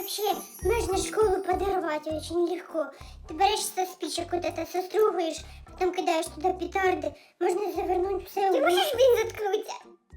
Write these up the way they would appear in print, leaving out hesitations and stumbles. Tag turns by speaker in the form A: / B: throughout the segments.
A: вообще можно школу подорвать очень легко. Ты берешь со спичек вот это, состругаешь, потом кидаешь туда петарды, можно завернуть все. Ты можешь, блин, заткнуться?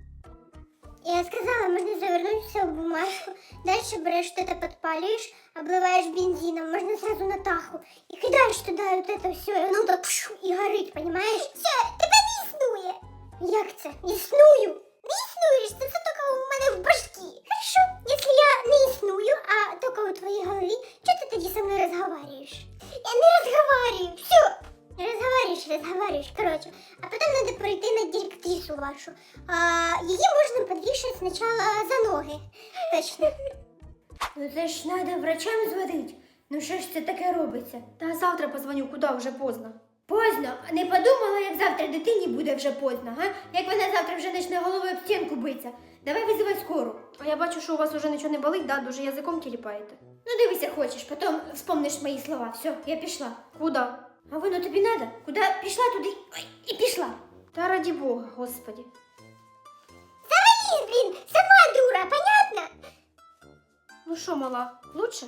A: Я сказала, можно завернуть все в бумажку, дальше берешь что-то, подпаливаешь, обливаешь бензином, можно сразу на таху, и кидаешь туда вот это все, и оно так и горить, понимаешь? Все, тебе не існує. Як це? Існую? Не існуєш, це все тільки у мене в башці. Хорошо, якщо я не існую, а тільки у твоїй голові, чого ти тоді зі мною розговорюєш? Я не розговорюю, все. Разговариваешь, короче. А потом надо пройти на директрису вашу. Ее можно подвешать сначала за ноги. Точно.
B: Ну це ж треба врачам зводити. Ну що ж це таке робиться?
C: Та завтра позвоню, куди вже поздно.
B: Поздно. А не подумала, як завтра дитині буде вже поздно, га? Як вона завтра вже почне головою об стінку битися. Давай визивай скору.
C: А я бачу, що у вас уже нічого не болить, да? Дуже язиком тіліпаєте.
B: Ну дивися хочеш, потім вспомниш мої слова. Все, я пішла.
C: Куди?
B: А воно тобі надо? Куди пішла, туди ой, і пішла.
C: Та раді Бога, Господи.
A: Завались, блин, сама дура, понятно?
C: Ну що, мала, лучше?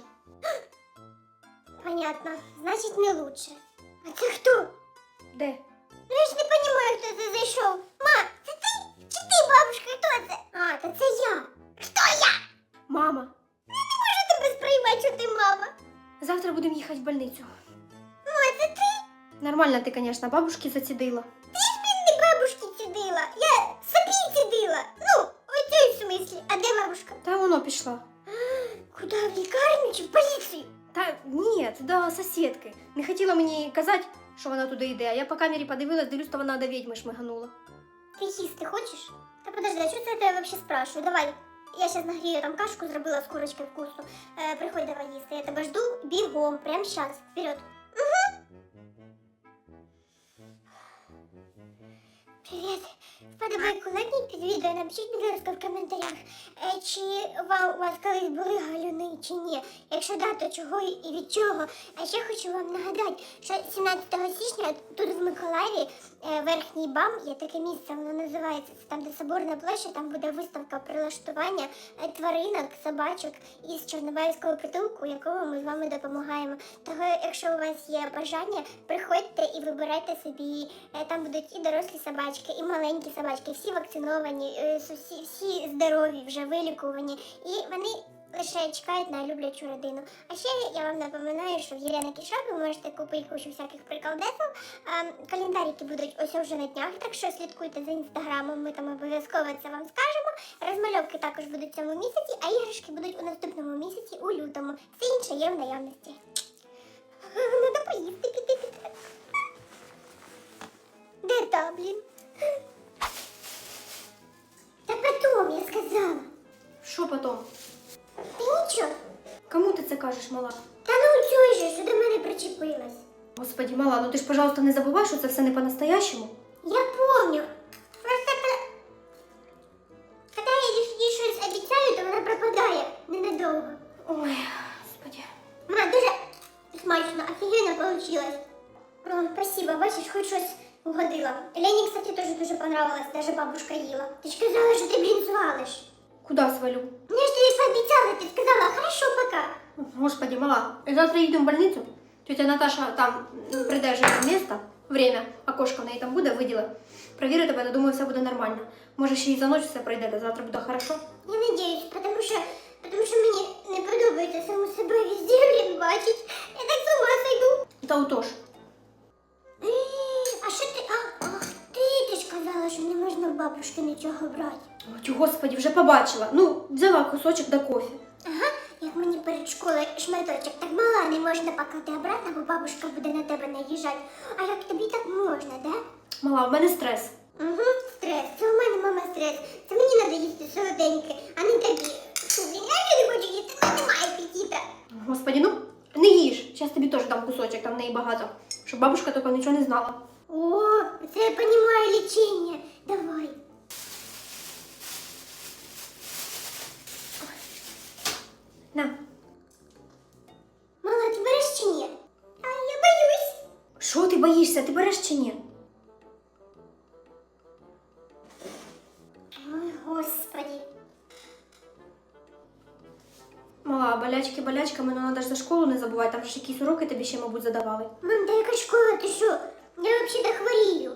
A: Понятно, значит не лучше. А це хто?
C: Де?
A: Ну я ж не понимаю, хто це зайшов. Ма, це ти? Чи ти, бабушка, хто це? А, то це я. Хто я?
C: Мама.
A: Можу тебе сприймати, що ти мама.
C: Завтра будемо їхати в больницю.
A: Ма, це ти?
C: Нормально ти, звісно, бабушки зацідила.
A: Ти ж, блін, не бабушки цідила. Я собі цідила. Ну, у цій смислі. А де бабушка?
C: Та воно пішла.
A: Куди, в лікарню чи в поліцію?
C: Та ні, до сусідки. Не хотіла мені казати, що вона туди йде, а я по камері подивилась, дивлюсь, то вона до відьми шмиганула.
A: Ти їсти хочеш? Та подожди, а що це я тебе взагалі спрашиваю? Давай. Я зараз нагрію там кашку, зробила з курочкою вкусу. Приходь давай їсти. Я тебе жду бігом, прямо зараз. Вперед. Привіт. Вподобайку лайкніть під відео, напишіть, будь ласка, в коментарях, чи у вас колись були галюни, чи ні. Якщо да, то чого і від чого. А ще хочу вам нагадати, що 17 січня тут в Миколаєві верхній БАМ, є таке місце, воно називається, це там, де Соборна площа, там буде виставка прилаштування тваринок, собачок із Чорнобаївського притулку, якому ми з вами допомагаємо. Того, якщо у вас є бажання, приходьте і вибирайте собі, там будуть і дорослі собачки, і маленькі собачки, всі вакциновані, всі здорові, вже вилікувані, і вони лише чекають на люблячу родину. А ще я вам напоминаю, що в Єлена Кішак ви можете купити кучу всяких приколдесів. Календарики будуть ось вже на днях, так що слідкуйте за інстаграмом, ми там обов'язково це вам скажемо. Розмальовки також будуть в цьому місяці, а іграшки будуть у наступному місяці, у лютому. Все інше є в наявності. Надо поїсти, піти. Де та, блін? Та потом, я сказала.
C: Що потім?
A: Ти нічого.
C: Кому ти це кажеш, мала?
A: Та ну чуєш же, що до мене причепилась.
C: Господи, мала, ну ти ж, пожалуйста, не забувай, що це все не по-настоящему.
A: Я помню. Просто коли я їй щось обіцяю, то вона пропадає ненадовго.
C: Ой, Господи.
A: Ма, дуже смачно, офігенно получилось. О, спасибо, бачиш, хоч щось угодила. Лені, кстати, теж дуже понравилось, даже бабушка їла. Ти ж казала, що ти, блін, звалиш.
C: Куди свалю?
A: Ну, я ж тобі пообіцяла, ти сказала, хорошо, пока.
C: Господи, мала, завтра їдемо в больницю. Тетя Наташа там прийде вже на місце, время, окошко в неї там буде, виділа. Провіри тебе, думаю, все буде нормально. Може, ще й за ніч все пройде, та завтра буде хорошо.
A: Я надіюсь, тому що мені не подобається саму себе везде, блін, бачить. Я так з ума сойду.
C: Та отож.
A: А що ти? Ах ти ж казала, що не можна в бабушки нічого брати.
C: Ой, Господи, вже побачила. Ну, взяла кусочок до кофе.
A: Ага, як мені перед школою шматочок так мала, не можна пакати обратно, бо бабушка буде на тебе наїжджати. А як тобі так можна, да?
C: Мала, в мене стрес.
A: Угу, стрес. Це у мене, мама, стрес. Це мені треба їсти солоденьке, а не тобі. Фу, блін, я не хочу їсти, в мене немає апетита.
C: Господи, ну, не їж. Зараз тобі теж дам кусочок, там в неї багато. Щоб бабушка тільки нічого не знала.
A: О, це я розумію лічення. Давай.
C: На.
A: Мала, ти береш чи ні? А я боюсь.
C: Що ти боїшся? Ти береш чи ні?
A: Ой, Господи.
C: Мала, болячки болячками, але треба ж за школу не забувати, там ж якісь уроки тобі ще, мабуть, задавали.
A: Мам, та яка школа, ти що? Я взагалі хворію.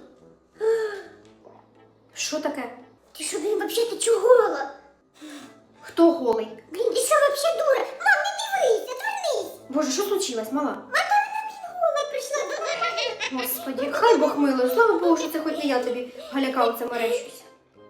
C: Що таке?
A: Ти що, блін, взагалі ти чугола?
C: Хто голий?
A: Блін, ти що взагалі дура? Мам, не дивись, отвернись.
C: Боже, що случилось, мала?
A: Гола прийшла до мене.
C: Господи, хай Бог милує, слава Богу, що це хоч не я тобі галяка оце мерещусь.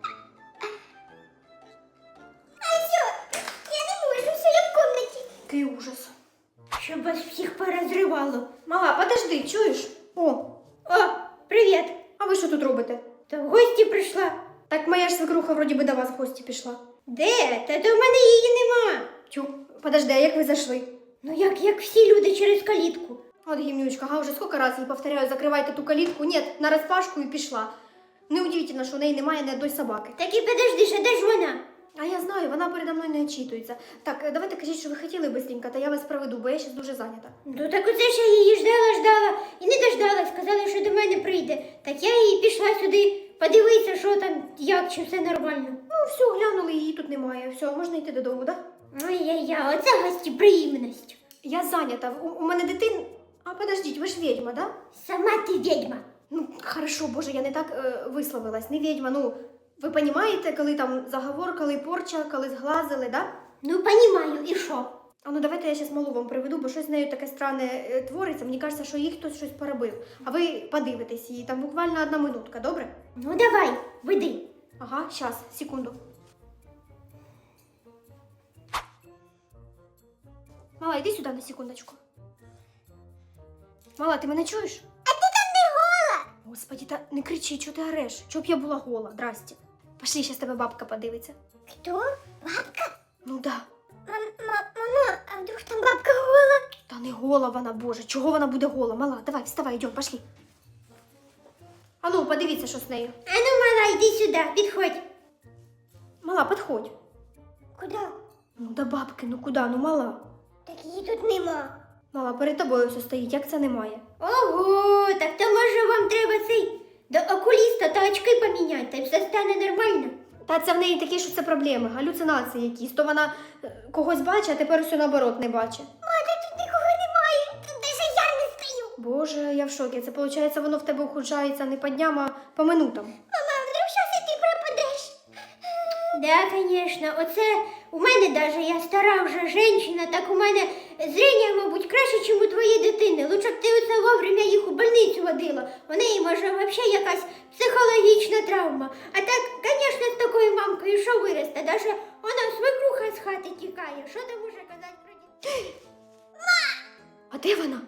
A: А все, я не можу, все, я в комнаті.
C: Який ужас.
B: Щоб вас всіх порозривало.
C: Мала, подожди, чуєш? О,
B: О, привіт.
C: а ви що тут робите?
B: Та в гості прийшла.
C: Так моя ж свекруха вроді би до вас в гості пішла.
B: Де? Та то в мене її нема.
C: Тю, подожди, а як ви зайшли?
B: Ну як всі люди через калітку.
C: От гімнючка, га, уже сколько раз їй повторяю, закривайте ту калітку. Ні, на розпашку і пішла. Неудивительно, що в неї немає ні одної собаки.
B: Так і подожди, що де ж вона?
C: А я знаю, вона передо мною не очитується. Так, давайте кажіть, що ви хотіли бистренько, та я вас проведу, бо я зараз дуже зайнята.
B: Ну так оце ж я її ждала і не дождалась. Сказали, що до мене прийде. Так я і пішла сюди подивитися, що там, як, чи все нормально.
C: Ну, все, глянули, її тут немає. Все, можна йти додому, так? Да?
B: Ой-я-я, оце гостеприємність.
C: Я зайнята. У мене дитин. А подождіть, ви ж відьма, да?
B: Сама ти відьма.
C: Ну, хорошо, боже, я не так висловилась. Не відьма, ну, ви розумієте, коли там заговор, коли порча, коли зглазили, да?
B: Ну, понімаю, і що?
C: А ну давайте я зараз малу вам приведу, бо щось з нею таке странне твориться. Мені кажеться, що їй хтось щось поробив. А ви подивитесь її, там буквально 1 минутка, добре?
B: Ну давай, веди.
C: Ага, щас, секунду. Мала, йди сюди на секундочку. Мала, ти мене чуєш?
A: А ти там не гола.
C: Господи, та не кричи, чого ти ореш? Чого б я була гола, здрасте. Пошли, зараз тебе бабка подивиться.
A: Хто? Бабка?
C: Ну да.
A: Мама, а вдруг там бабка гола?
C: Та не гола вона, боже, чого вона буде гола? Мала, давай, вставай, йдемо, пошли. А ну, подивіться, що з нею.
B: А ну, мала, йди сюди, підходь.
C: Мала, підходь.
A: Куди?
C: Ну до бабки, ну куди, ну мала.
A: Так її тут нема.
C: Мала, перед тобою все стоїть, як це немає?
B: Ого, так то може вам треба цей до окуліста та очки поміняти, та й все стане нормально.
C: Та це в неї такі, що це проблеми, галюцинації якісь. То вона когось бачить, а тепер все наоборот не бачить.
A: Мати, тут нікого немає. Тут навіть я не стою.
C: Боже, я в шокі. Це виходить, воно в тебе ухудшається не по дням, а по минутам.
A: Мама, а вдруг щас і ти пропадеш?
B: Да, конечно, оце у мене даже, я стара вже жінка, так у мене зрення, мабуть, краще, ніж у твоєї дитини. Лучше б ти оце вовремя їх у больницю водила. У неї, може, взагалі якась психологічна травма. А так, звісно, з такою мамкою що виросте? Даже вона свекруха з хати тікає. Що там може казати про дітей?
C: А де вона?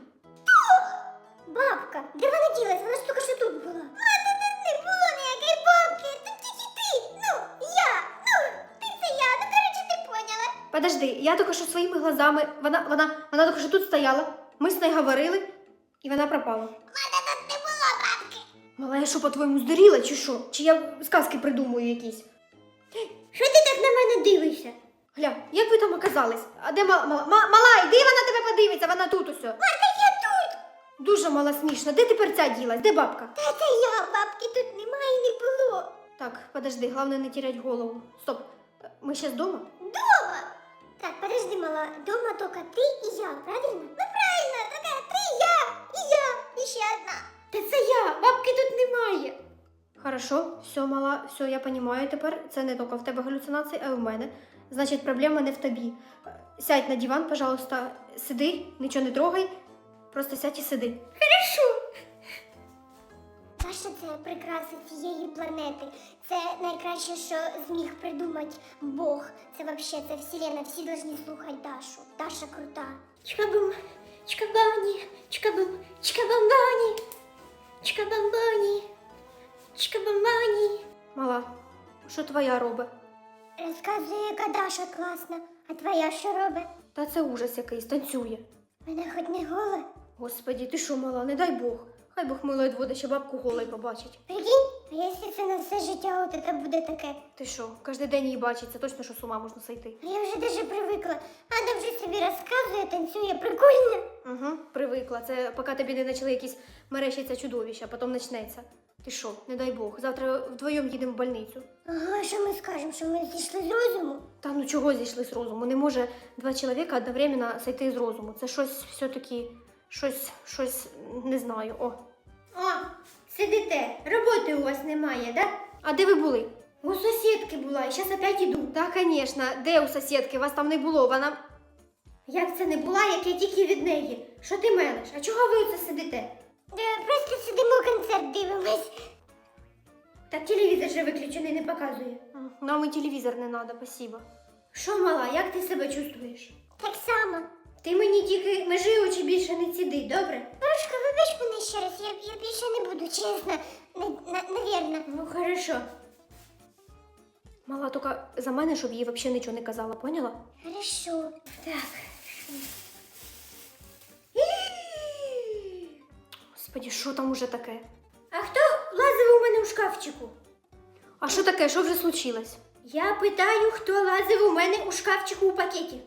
A: Бабка, де вона ділась? Вона ж тільки що тут була. Мати, тут не було ніякої бабки. Тут тільки ти. Ну, я. Ну, ти це я. Ну, коротше, ти поняла.
C: Подожди, я тільки що своїми глазами, вона тільки що тут стояла, ми з нею говорили, і вона пропала.
A: Мати, тут не було бабки.
C: Мала, я що, по-твоєму, здуріла, чи що? Чи я сказки придумую якісь?
B: Що ти так на мене дивишся?
C: Гля, як ви там оказались? А де мала, йди, вона тебе подивиться, вона тут усе.
A: Мати, я тут.
C: Дуже мала смішно. Де тепер ця ділась? Де бабка?
A: Та це я, бабки тут немає і не було.
C: Так, подожди, головне не терять голову. Стоп, ми ще вдома?
A: Дома. Так, подожди, мала. Дома тільки ти і я, правильно? Ну, правильно. Така ти, я, і я, і ще одна.
B: Та це я, бабки тут немає.
C: Хорошо, все, мала, все, я понимаю тепер. Це не тільки в тебе галюцинації, а й у мене. Значить, проблема не в тобі. Сядь на диван, пожалуйста, сиди, нічого не трогай. Просто сядь і сиди.
B: Хорошо.
A: Даша – це прикраса цієї планети. Це найкраще, що зміг придумати Бог. Це взагалі, це вселенна. Всі повинні слухати Дашу. Даша крута.
B: Чкабум, чкабані, чкабум, чкабамбані, чкабамбані, чкабамбані.
C: Мала, що твоя робить?
A: Розказує, яка Даша класна. А твоя що робить?
C: Та це ужас якийсь, танцює.
A: Вона хоч не гола.
C: Господі, ти що, мала, не дай Бог. Хай Бог милує дводе, ще бабку голою побачить.
A: Прикинь, а якщо це на все життя, от це буде таке.
C: Ти що, кожен день її бачить, це точно, що з ума можна сойти.
A: А я вже даже привикла. Вона вже собі розказує, танцює, прикольно.
C: Угу, привикла. Це поки тобі не почали якісь мерещиться чудовища, а потім почнеться. Ти Ти що, не дай Бог, завтра вдвоєм їдемо в больницю.
A: Ага, що ми скажемо, що ми зійшли з розуму?
C: Та ну чого зійшли з розуму? Не може два чоловіка одновременно сойти з розуму. Це щось все-таки, щось, не знаю, о.
B: О, сидите, роботи у вас немає, да?
C: А де ви були?
B: У сусідки була, і зараз опять іду.
C: Так, звісно, де у сусідки? Вас там не було, вона...
B: Як це не була, як я тільки від неї? Що ти мелиш? А чого ви оце сидите?
A: Просто сидимо, концерт дивимось.
B: Так телевізор же виключений не показує.
C: Нам і телевізор не треба, спасибо.
B: Що, мала, як ти себе чувствуєш?
A: Так само.
B: Ти мені тільки межи очі більше не ціди, добре?
A: Порошка, вибач мене ще раз, я більше не буду, чесно. Навірно.
B: Ну, хорошо.
C: Мала тільки за мене, щоб їй взагалі нічого не казала, поняла?
A: Хорошо.
B: Так.
C: Господи, що там уже таке?
B: А хто лазив у мене у шкафчику?
C: А що таке? Що вже случилось?
B: Я питаю, хто лазив у мене у шкафчику у пакеті?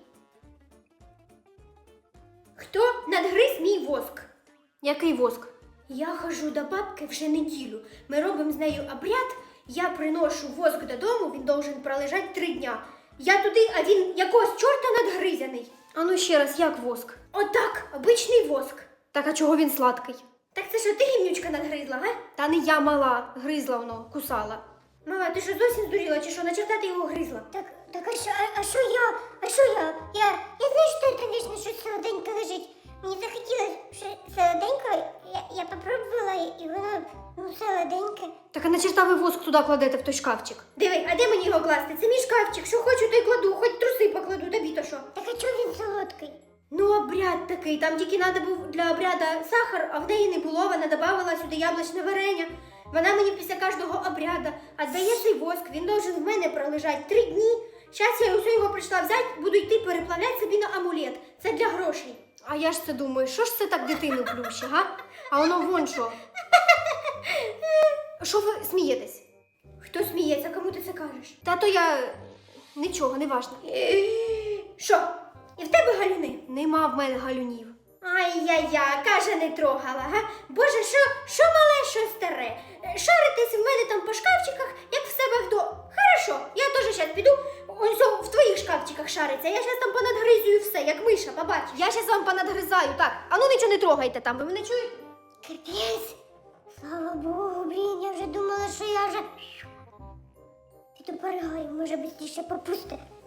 B: Хто надгриз мій воск?
C: Який воск?
B: Я ходжу до бабки вже неділю. Ми робимо з нею обряд. Я приношу воск додому, він должен пролежати 3 дня. Я туди, а він якогось чорта надгризяний.
C: А ну ще раз, як воск?
B: Отак, обичний воск.
C: Так, а чого він сладкий?
B: Так це що, ти гімнючка надгризла, га?
C: Та не я мала, гризла воно, кусала.
B: Мама, ти що зовсім здуріла, чи що, на черта ти його гризла?
A: Так, а що я? А що я? Я знаю, що це, звісно, щось солоденьке лежить. Мені захотілося що солоденьке, я попробувала, і воно, солоденьке.
C: Так а на черта ви воск туди кладете в той шкафчик?
B: Диви, а де мені його класти? Це мій шкафчик, що хочу, то й кладу, хоч труси покладу, тобі то що?
A: Так а чого він солодкий?
B: Ну, обряд такий, там тільки треба був для обряду сахар, а в неї не було, вона додавала сюди яблучне варення. Вона мені після кожного обряду віддає цей воск, він должен в мене пролежати 3 дні. Зараз я усе його прийшла взяти, буду йти переплавляти собі на амулет. Це для грошей.
C: А я ж це думаю, що ж це так дитину плюще, га? А воно вон що. Що ви смієтесь?
B: Хто сміється, кому ти це кажеш?
C: Та то я... Нічого, не важно.
B: Що? І в тебе галюни?
C: Нема в мене галюнів.
B: Ай-я-я, каже, не трогала, га? Боже, що мале, що старе? Шаритесь в мене там по шкафчиках, як в себе вдома. Хорошо, я теж зараз піду, ось в твоїх шкафчиках шариться. Я зараз там понадгризую все, як миша, побач.
C: Я щас вам понадгризаю, так. А ну нічого не трогайте там, ви мене чуєте?
A: Капець. Слава Богу, блін, я вже думала, що я вже... Піду поригаю, може, швидше попусти.